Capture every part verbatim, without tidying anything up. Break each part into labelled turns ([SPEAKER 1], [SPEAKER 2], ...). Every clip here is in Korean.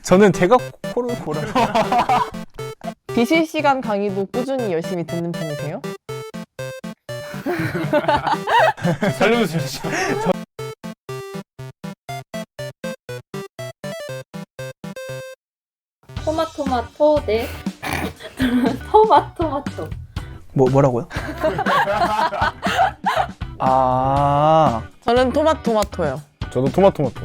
[SPEAKER 1] 저는 제가 코를 골아서.
[SPEAKER 2] 비실시간 강의도 꾸준히 열심히 듣는 편이세요?
[SPEAKER 3] 살려주세요 진짜.
[SPEAKER 4] 토마토마토 대 토마토마토.
[SPEAKER 1] 뭐 뭐라고요? 아
[SPEAKER 2] 저는 토마토마토요.
[SPEAKER 3] 저도 토마토마토.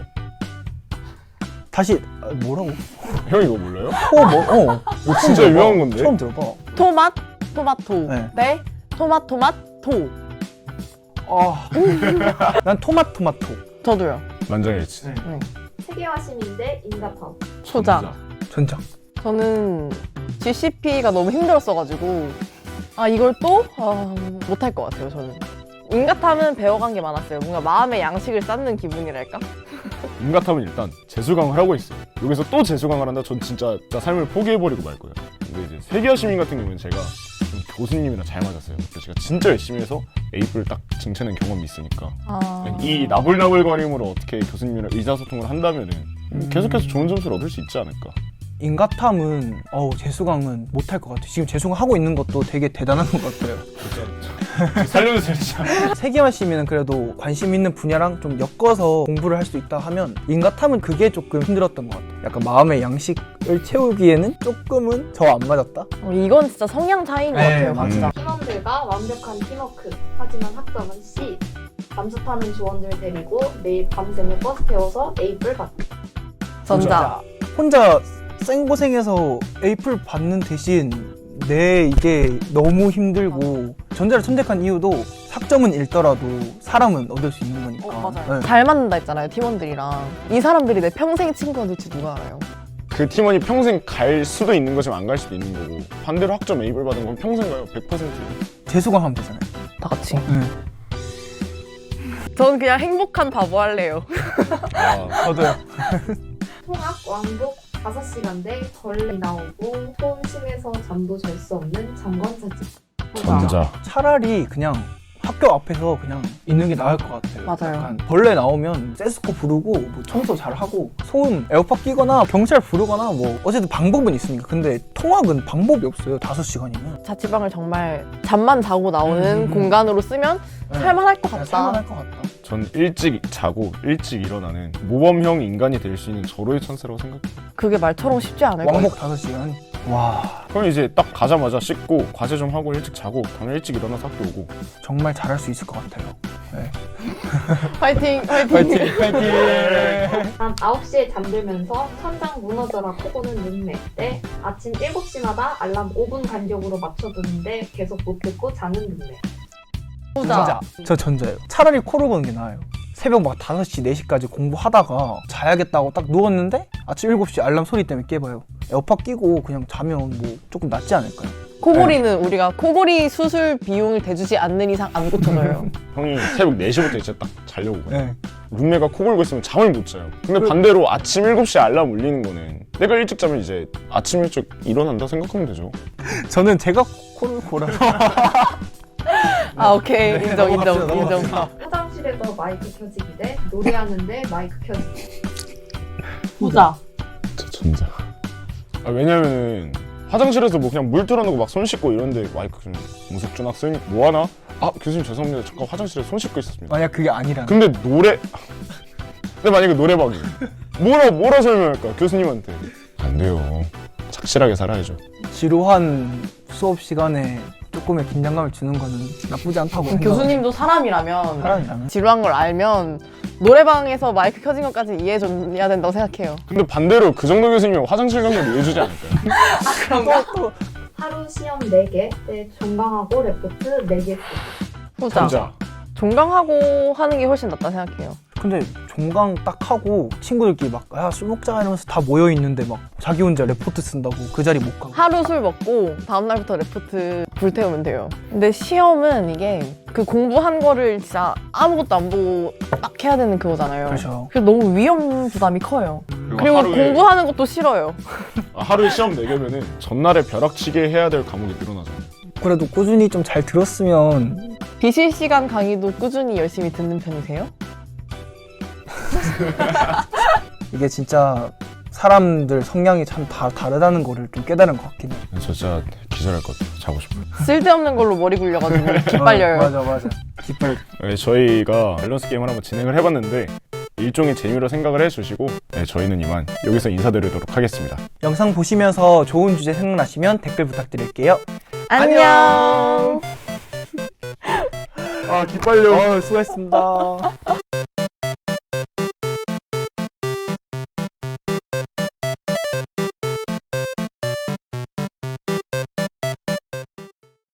[SPEAKER 1] 다시 아, 뭐라고?
[SPEAKER 3] 형 이거 몰라요?
[SPEAKER 1] 코 뭐? 어
[SPEAKER 3] 이거 진짜 유명한 건데?
[SPEAKER 1] 처음 들어봐.
[SPEAKER 2] 토맛 토마토
[SPEAKER 1] 네.
[SPEAKER 2] 대 토마토마토.
[SPEAKER 1] 아, 난 토마토마토.
[SPEAKER 2] 저도요.
[SPEAKER 3] 만장일치.
[SPEAKER 1] 네.
[SPEAKER 2] 네.
[SPEAKER 4] 세계화심인데 인가파워.
[SPEAKER 2] 초장.
[SPEAKER 1] 전장.
[SPEAKER 2] 저는 지씨피가 너무 힘들었어가지고 아 이걸 또? 아, 못할 것 같아요 저는. 인가탐은 배워간 게 많았어요. 뭔가 마음의 양식을 쌓는 기분이랄까?
[SPEAKER 3] 인가탐은 일단 재수강을 하고 있어요. 여기서 또 재수강을 한다? 전 진짜, 진짜 삶을 포기해버리고 말 거예요. 근데 이제 세계화 시민 같은 경우는 제가 좀 교수님이랑 잘 맞았어요. 그래서 제가 진짜 열심히 해서 에이프를 딱 쟁취하는 경험이 있으니까
[SPEAKER 2] 아...
[SPEAKER 3] 이 나불나불거림으로 어떻게 교수님이랑 의사소통을 한다면은
[SPEAKER 1] 음.
[SPEAKER 3] 계속해서 좋은 점수를 얻을 수 있지 않을까.
[SPEAKER 1] 인가탐은 어우 재수강은 못할 것 같아요. 지금 재수강 하고 있는 것도 되게 대단한 것 같아요.
[SPEAKER 3] 살려주세요 진짜.
[SPEAKER 1] 세계화 시민은 그래도 관심 있는 분야랑 좀 엮어서 공부를 할 수 있다 하면 인가탐은 그게 조금 힘들었던 것 같아요. 약간 마음의 양식을 채우기에는 조금은 저 안 맞았다?
[SPEAKER 2] 어, 이건 진짜 성향 차이인 것
[SPEAKER 1] 네,
[SPEAKER 2] 같아요. 진짜.
[SPEAKER 4] 팀원들과 완벽한 팀워크. 하지만 학점은 C. 잠수 타는 조원들 데리고 매일 밤샘을 버스 태워서 A뿔 받기.
[SPEAKER 2] 전자.
[SPEAKER 1] 혼자 생고생해서 에이플 받는 대신 내 이게 너무 힘들고 전자를 선택한 이유도 학점은 잃더라도 사람은 얻을 수 있는 거니까.
[SPEAKER 2] 어, 맞아요.
[SPEAKER 1] 네.
[SPEAKER 2] 잘 맞는다 했잖아요 팀원들이랑. 이 사람들이 내 평생 친구가 될지 누가 알아요.
[SPEAKER 3] 그 팀원이 평생 갈 수도 있는 거지만 안 갈 수도 있는 거고 반대로 학점 A를 받은 건 평생 가요. 백 퍼센트.
[SPEAKER 1] 재수강 하면 되잖아요.
[SPEAKER 2] 다 같이.
[SPEAKER 1] 네.
[SPEAKER 2] 저는 그냥 행복한 바보 할래요.
[SPEAKER 3] 아,
[SPEAKER 1] 저도요.
[SPEAKER 4] 통학 왕복 다섯 시간 대 벌레 나오고 소음 심해서 잠도 잘 수 없는 잠관사진.
[SPEAKER 3] 전자.
[SPEAKER 1] 차라리 그냥 학교 앞에서 그냥 있는 게 나을 것 같아요.
[SPEAKER 2] 맞아요.
[SPEAKER 1] 약간 벌레 나오면 세스코 부르고 뭐 청소 잘 하고 소음 에어팟 끼거나 경찰 부르거나 뭐 어쨌든 방법은 있으니까. 근데 통학은 방법이 없어요. 다섯 시간이면.
[SPEAKER 2] 자취방을 정말 잠만 자고 나오는
[SPEAKER 1] 음.
[SPEAKER 2] 공간으로 쓰면
[SPEAKER 1] 네.
[SPEAKER 2] 살만할 것
[SPEAKER 1] 그냥
[SPEAKER 2] 같다.
[SPEAKER 1] 살만할 것 같다.
[SPEAKER 3] 전 일찍 자고 일찍 일어나는 모범형 인간이 될 수 있는 절호의 찬스라고 생각해요.
[SPEAKER 2] 그게 말처럼 쉽지 않을 거예요.
[SPEAKER 1] 왕복 다섯 시간. 와
[SPEAKER 3] 그럼 이제 딱 가자마자 씻고 과제 좀 하고 일찍 자고 다음날 일찍 일어나서 학교 오고.
[SPEAKER 1] 정말 잘할 수 있을 것 같아요. 네.
[SPEAKER 2] 파이팅! 파이팅!
[SPEAKER 1] 파이팅! 파이팅!
[SPEAKER 4] 밤 아홉 시에 잠들면서 천장 무너져라 코고는 눈매 대 아침 일곱 시마다 알람 오 분 간격으로 맞춰두는데 계속 못 듣고 자는 눈매.
[SPEAKER 2] 후자.
[SPEAKER 1] 저 전자예요. 차라리 코를 고는 게 나아요. 새벽 막 다섯 시, 네 시까지 공부하다가 자야겠다고 딱 누웠는데 아침 일곱 시 알람 소리 때문에 깨봐요. 에어팟 끼고 그냥 자면 뭐 조금 낫지 않을까요?
[SPEAKER 2] 코골이는 우리가 코골이 수술 비용을 대주지 않는 이상 안 고쳐져요.
[SPEAKER 3] 형이 새벽 네 시부터 이제 딱 자려고 가요.
[SPEAKER 1] 네.
[SPEAKER 3] 룸메가 코 골고 있으면 잠을 못 자요. 근데 반대로 아침 일곱 시에 알람 울리는 거는 내가 일찍 자면 이제 아침 일찍 일어난다 생각하면 되죠.
[SPEAKER 1] 저는 제가 코를 골아서.
[SPEAKER 2] 아 오케이
[SPEAKER 1] 네,
[SPEAKER 2] 인정 인정
[SPEAKER 1] 넘어갑시다,
[SPEAKER 2] 인정.
[SPEAKER 1] 넘어갑시다.
[SPEAKER 4] 화장실에서 마이크 켜지기 대 노래하는데 마이크 켜지기.
[SPEAKER 2] 후자.
[SPEAKER 3] 저 전자. 아, 왜냐면은 화장실에서 뭐 그냥 물 틀어놓고 막 손 씻고 이런데 마이크 좀 무섭준 학생 뭐 하나? 아 교수님 죄송합니다. 잠깐 화장실에 손 씻고 있었습니다.
[SPEAKER 1] 만약 그게 아니라면.
[SPEAKER 3] 근데 노래 근데 만약에 노래방이 뭐라 뭐라 설명할까 교수님한테 안 돼요. 착실하게 살아야죠.
[SPEAKER 1] 지루한 수업 시간에 조금의 긴장감을 주는 거는 나쁘지 않다고 생각해요.
[SPEAKER 2] 교수님도 사람이라면
[SPEAKER 1] 사람이라면.
[SPEAKER 2] 지루한 걸 알면 노래방에서 마이크 켜진 것까지 이해해줘야 된다고 생각해요.
[SPEAKER 3] 근데 반대로 그 정도 교수님은 화장실 간 걸 이해해주지 않을까요?
[SPEAKER 2] 그런가?
[SPEAKER 1] 또, 또.
[SPEAKER 4] 하루 시험 네 개 대 종강하고 레포트 네 개 쓰기.
[SPEAKER 2] 후자.
[SPEAKER 3] 전자.
[SPEAKER 2] 종강하고 하는 게 훨씬 낫다 생각해요.
[SPEAKER 1] 근데 종강 딱 하고 친구들끼리 막 야 술 먹자 이러면서 다 모여 있는데 막 자기 혼자 레포트 쓴다고 그 자리 못 가고.
[SPEAKER 2] 하루 술 먹고 다음날부터 레포트 불태우면 돼요. 근데 시험은 이게 그 공부한 거를 진짜 아무것도 안 보고 딱 해야 되는 그거잖아요.
[SPEAKER 1] 그렇죠.
[SPEAKER 2] 그래서 너무 위험 부담이 커요. 그리고
[SPEAKER 3] 하루에,
[SPEAKER 2] 공부하는 것도 싫어요.
[SPEAKER 3] 아, 하루에 시험 네 개면은 전날에 벼락치게 해야 될 과목이 늘어나잖아요.
[SPEAKER 1] 그래도 꾸준히 좀 잘 들었으면.
[SPEAKER 2] 비실시간 강의도 꾸준히 열심히 듣는 편이세요?
[SPEAKER 1] 이게 진짜 사람들 성향이 참 다 다르다는 거를 좀 깨달은 것 같긴 해요.
[SPEAKER 3] 저 진짜 기절할 것 같아요. 자고 싶어요.
[SPEAKER 2] 쓸데없는 걸로 머리 굴려가지고 기빨려요.
[SPEAKER 1] 맞아 맞아. 기빨.
[SPEAKER 3] 네, 저희가 밸런스 게임을 한번 진행을 해봤는데 일종의 재미로 생각을 해주시고 네, 저희는 이만 여기서 인사드리도록 하겠습니다.
[SPEAKER 1] 영상 보시면서 좋은 주제 생각나시면 댓글 부탁드릴게요.
[SPEAKER 2] 안녕.
[SPEAKER 3] 아 기빨려.
[SPEAKER 1] 어, 수고했습니다.